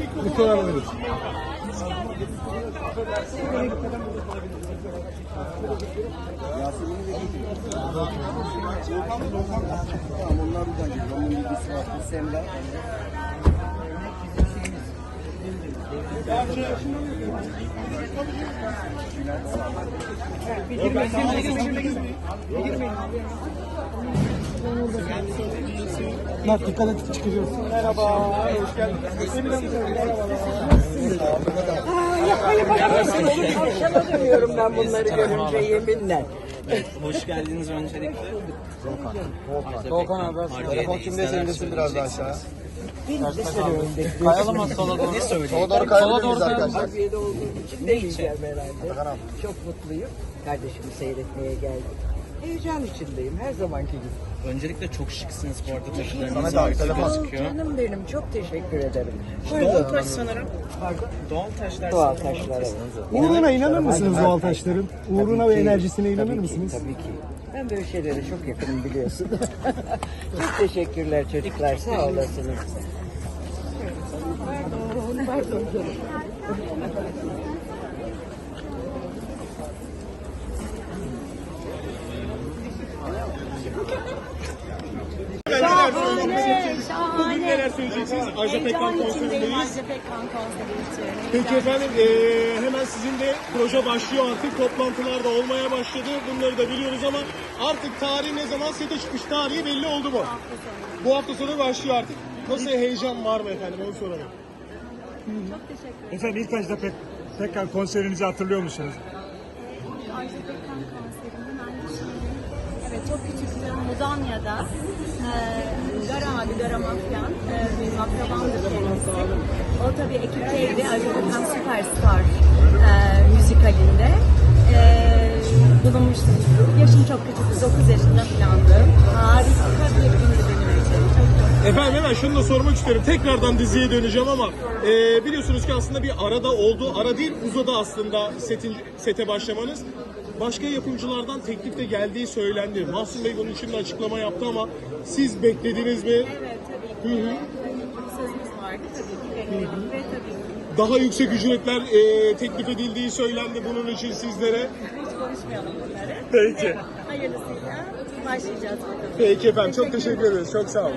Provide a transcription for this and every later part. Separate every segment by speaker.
Speaker 1: Lütfen alabiliriz. Mert dikkat et çıkacağız. Merhaba, hoş geldiniz.
Speaker 2: Yaşamıyorum ben bunları görünce yeminle.
Speaker 3: Hoş geldiniz öncelikle.
Speaker 1: Doğukan abi. Telefon kimde senindesin biraz daha aşağı.
Speaker 3: Kayalım mı sola doğru? Ne söyleyeyim?
Speaker 1: Sola doğru kayabilir miyiz arkadaşlar?
Speaker 2: Harbiye'de olduğum için değişeceğim herhalde. Çok mutluyum. Kardeşimi seyretmeye geldim. Heyecan içindeyim her zamanki gibi.
Speaker 3: Öncelikle çok şıksınız bu arada, taşlarınız
Speaker 1: Samet abi, telefon.
Speaker 3: gözüküyor.
Speaker 2: Canım benim çok teşekkür ederim.
Speaker 3: Doğal taş sanırım. Doğal taşlar
Speaker 2: Doğal
Speaker 3: sanırım.
Speaker 2: taşlara.
Speaker 1: Uğruna inanır mısınız doğal taşların? Uğruna ve enerjisine inanır mısınız?
Speaker 2: Tabii ki. Ben böyle şeylere çok yakınım biliyorsun. Çok teşekkürler çocuklar. Sağ olasınız. Pardon canım.
Speaker 4: Bugün neler söyleyeceksiniz? Ajda Pekkan konserindeyiz.
Speaker 5: Ajda Pekkan konseri için.
Speaker 4: Peki efendim, hemen sizin de proje başlıyor artık. Toplantılar da olmaya başladı. Bunları da biliyoruz ama artık tarih ne zaman sete çıkmış tarihi belli oldu mu?
Speaker 5: Hafta sonu.
Speaker 4: Bu hafta sonu başlıyor artık. Nasıl, heyecan var mı efendim, onu soralım.
Speaker 5: Çok teşekkür ederim.
Speaker 6: Efendim ilk Ajda Pekkan konserinizi hatırlıyor musunuz?
Speaker 5: Ajda Pekkan konserinden aynı şey. Evet, çok küçüktüm. Mudanya'da. Gara abi, Gara Mafyan. Benim akrabamdır kendisi. O tabii ekipteydi. Ajda Pekkan Süperstar müzikalinde. Bulunmuştum. Yaşım çok küçüktü. 9 yaşında falandım. Harika bir gündü benim için. Çok
Speaker 4: Efendim hemen şunu da sormak istiyorum. Tekrardan diziye döneceğim ama biliyorsunuz ki aslında bir arada oldu. Ara değil, uzadı aslında sete başlamanız. Başka yapımcılardan teklif de geldiği söylendi. Mahsun Bey bunun için de açıklama yaptı ama siz beklediniz mi?
Speaker 5: Evet, tabii ki. Sözümüz vardı tabii ki. Bekledim ve tabii ki.
Speaker 4: Daha yüksek ücretler teklif edildiği söylendi bunun için sizlere.
Speaker 5: Hiç konuşmayalım bunları.
Speaker 4: Peki.
Speaker 5: Hayırlısıyla başlayacağız bakalım.
Speaker 4: Peki efendim, çok teşekkür ederiz. Çok sağ olun.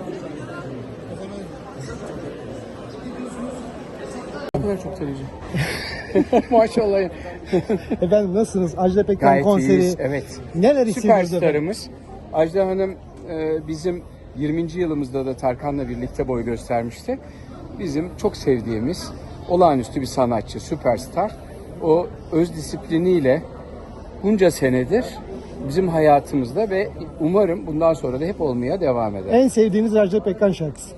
Speaker 7: Maşallah.
Speaker 1: Efendim nasılsınız? Ajda Pekkan
Speaker 7: Gayet
Speaker 1: konseri.
Speaker 7: iyiyiz, evet.
Speaker 1: Neler hissediyorsunuz efendim?
Speaker 7: Süperstarımız. Ajda Hanım bizim 20. yılımızda da Tarkan'la birlikte boy göstermişti. Bizim çok sevdiğimiz olağanüstü bir sanatçı, süperstar. O öz disipliniyle bunca senedir bizim hayatımızda ve umarım bundan sonra da hep olmaya devam eder.
Speaker 1: En sevdiğiniz Ajda Pekkan şarkısı.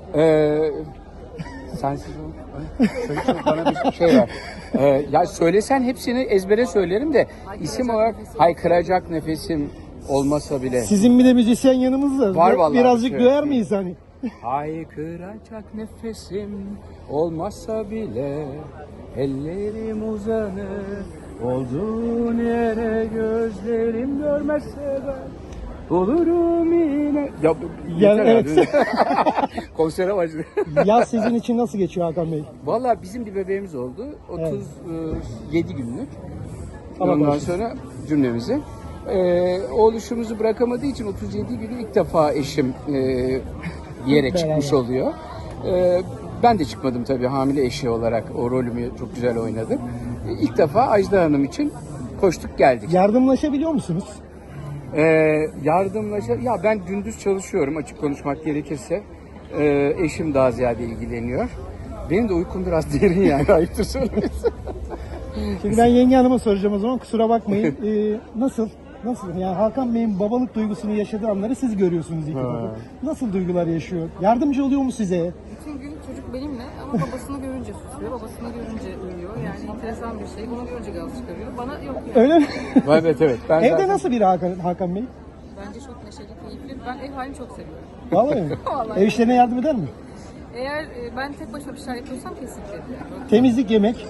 Speaker 7: Sensiz ol. Söyle bana bir şey ver. Ya söylesen hepsini ezbere söylerim de isim olarak haykıracak nefesim olmasa bile.
Speaker 1: Sizin bir de müzisyen yanımızda.
Speaker 7: Var vallahi.
Speaker 1: Birazcık
Speaker 7: Evet.
Speaker 1: duyar mıyız hani?
Speaker 7: Haykıracak nefesim olmasa bile ellerim uzanır. Olduğun yere gözlerim görmezse ben olurum yine. Ya, yeter
Speaker 1: evet.
Speaker 7: abi. Konsere başladı.
Speaker 1: Yaz sizin için nasıl geçiyor Hakan Bey?
Speaker 7: Valla bizim bir bebeğimiz oldu. 37 günlük.
Speaker 1: Allah
Speaker 7: Ondan
Speaker 1: bağışlasın.
Speaker 7: sonra cümlemizi. Oluşumuzu bırakamadığı için 37 günü ilk defa eşim bir yere çıkmış oluyor. Ben de çıkmadım tabii hamile eşi olarak. O rolümü çok güzel oynadım. İlk defa Ajda Hanım için koştuk geldik.
Speaker 1: Yardımlaşabiliyor musunuz?
Speaker 7: Ya ben gündüz çalışıyorum açık konuşmak gerekirse. Eşim daha ziyade ilgileniyor. Benim de uykum biraz derin yani, ayıptır söylemesi.
Speaker 1: Şimdi ben yenge hanıma soracağım o zaman, kusura bakmayın. Nasıl? Yani Hakan Bey'in babalık duygusunu yaşadığı anları siz görüyorsunuz ilk defa. Nasıl duygular yaşıyor? Yardımcı oluyor mu size?
Speaker 8: Bütün gün çocuk benimle ama babasını görünce susuyor, babasını görünce uyuyor. Yani enteresan bir şey. Bunu görünce gaz çıkarıyor. Bana yok yani.
Speaker 1: Öyle mi?
Speaker 7: Evet. Ben
Speaker 1: Evde
Speaker 7: zaten-
Speaker 1: nasıl biri Hakan Bey?
Speaker 8: Bence çok neşeli, keyifli. Ben ev halini çok seviyorum.
Speaker 1: Vallahi mi?
Speaker 8: Vallahi.
Speaker 1: Ev işlerine yardım eder mi?
Speaker 8: Eğer ben tek başıma bir şeyler yapıyorsam kesinlikle.
Speaker 1: Temizlik, yemek.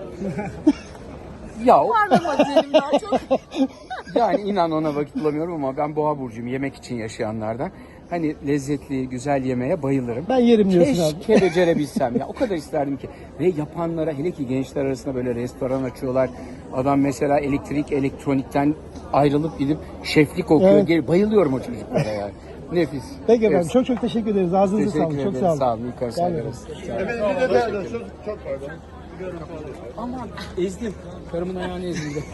Speaker 7: Ya
Speaker 8: Parlama diyelim daha çok.
Speaker 7: yani inan ona vakit bulamıyorum ama ben boğa burcuyum, yemek için yaşayanlardan. hani lezzetli, güzel yemeğe bayılırım.
Speaker 1: Ben yerim diyorsun abi.
Speaker 7: Keşke becerebilsem ya. O kadar isterdim ki. Ve yapanlara, hele ki gençler arasında böyle restoran açıyorlar. Adam mesela elektronikten ayrılıp gidip şeflik okuyor.
Speaker 1: Evet.
Speaker 7: Bayılıyorum o çocuklara yani. Nefis.
Speaker 1: Peki efendim,
Speaker 7: Evet.
Speaker 1: çok çok teşekkür ederiz. Ağzınıza
Speaker 7: Teşekkür
Speaker 1: sağlık. Çok
Speaker 7: ederim.
Speaker 1: sağ olun.
Speaker 7: Sağ olun. Yukarı
Speaker 1: Sağ olun.
Speaker 7: saygılar. Aman ezdim. Karımın ayağını ezildi.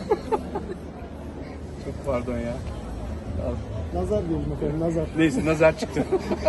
Speaker 7: Çok pardon ya.
Speaker 1: Nazar diyelim efendim, nazar.
Speaker 7: Neyse nazar çıktı.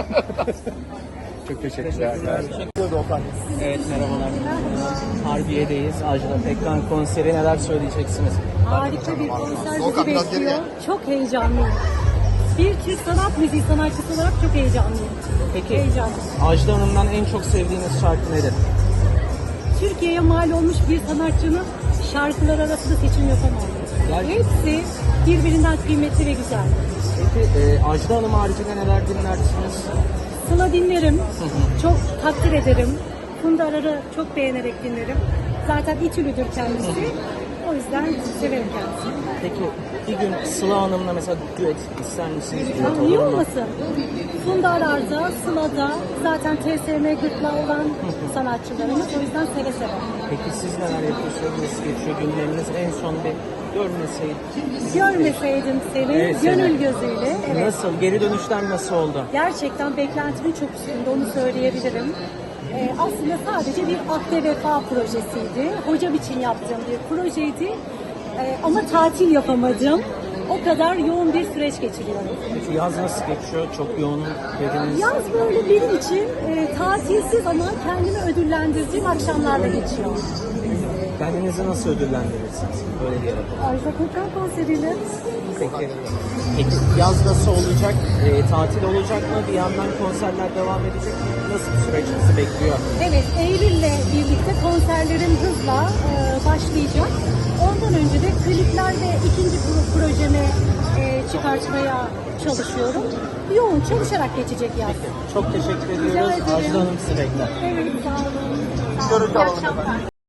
Speaker 7: Çok teşekkürler.
Speaker 3: Evet merhabalar. Harbiye'deyiz. Ajda Pekkan konseri, neler söyleyeceksiniz?
Speaker 5: Harika bir konser bizi bekliyor. Çok heyecanlıyım. Bir Türk sanat müziği sanatçısı olarak çok heyecanlıyım.
Speaker 3: Peki
Speaker 5: Heyecanlı.
Speaker 3: Ajda Hanım'dan en çok sevdiğiniz şarkı nedir?
Speaker 5: Türkiye'ye mal olmuş bir sanatçının şarkılar arasında seçim yapamam. Hepsi birbirinden kıymetli ve güzel.
Speaker 3: Peki Ajda Hanım haricinde neler dinlersiniz?
Speaker 5: Sıla dinlerim. Çok takdir ederim. Funda Arar'ı çok beğenerek dinlerim. Zaten İTÜ'lüdür kendisi. O yüzden severim kendisini.
Speaker 3: Peki bir gün Sıla Hanım'la mesela düet ister misiniz? Düet
Speaker 5: Niye
Speaker 3: olur mu?
Speaker 5: olmasın? Funda Arar'da, Sıla'da zaten TSM gırtlağı olan sanatçılarımız. O yüzden seve seve.
Speaker 3: Peki siz neler yapıyorsunuz? Nasıl geçiyor günleriniz? En son bir görmeseydik.
Speaker 5: Görmeseydim seni
Speaker 3: Evet,
Speaker 5: gönül
Speaker 3: seni.
Speaker 5: gözüyle. Evet.
Speaker 3: Nasıl? Geri dönüşler nasıl oldu?
Speaker 5: Gerçekten beklentimin çok üstünde, onu söyleyebilirim. Aslında sadece bir akde vefa projesiydi. Hocam için yaptığım bir projeydi. Ama tatil yapamadım. O kadar yoğun bir süreç geçiriyorum.
Speaker 3: Peki yaz nasıl geçiyor? Çok yoğun dediniz.
Speaker 5: Yaz böyle benim için tatilsiz ama kendimi ödüllendirdiğim akşamlarla geçiyor.
Speaker 3: Kendinizi nasıl ödüllendirirsiniz? Böyle diyelim.
Speaker 5: Ajda Pekkan konseriyle.
Speaker 3: Peki. Peki yaz nasıl olacak? Tatil olacak mı? Bir yandan konserler devam edecek mi? Nasıl bir süreç bizi bekliyor?
Speaker 5: Evet, Eylül'le birlikte konserlerim hızla başlayacak. Ondan önce de klipler ve ikinci projemi çıkartmaya çalışıyorum. Yoğun çalışarak geçecek yaz.
Speaker 3: Çok teşekkür
Speaker 5: Rica
Speaker 3: ediyoruz.
Speaker 5: ederim.
Speaker 3: Ajda Hanım sizi bekler.
Speaker 5: Evet, sağ olun. Sağ olun. İyi akşamlar.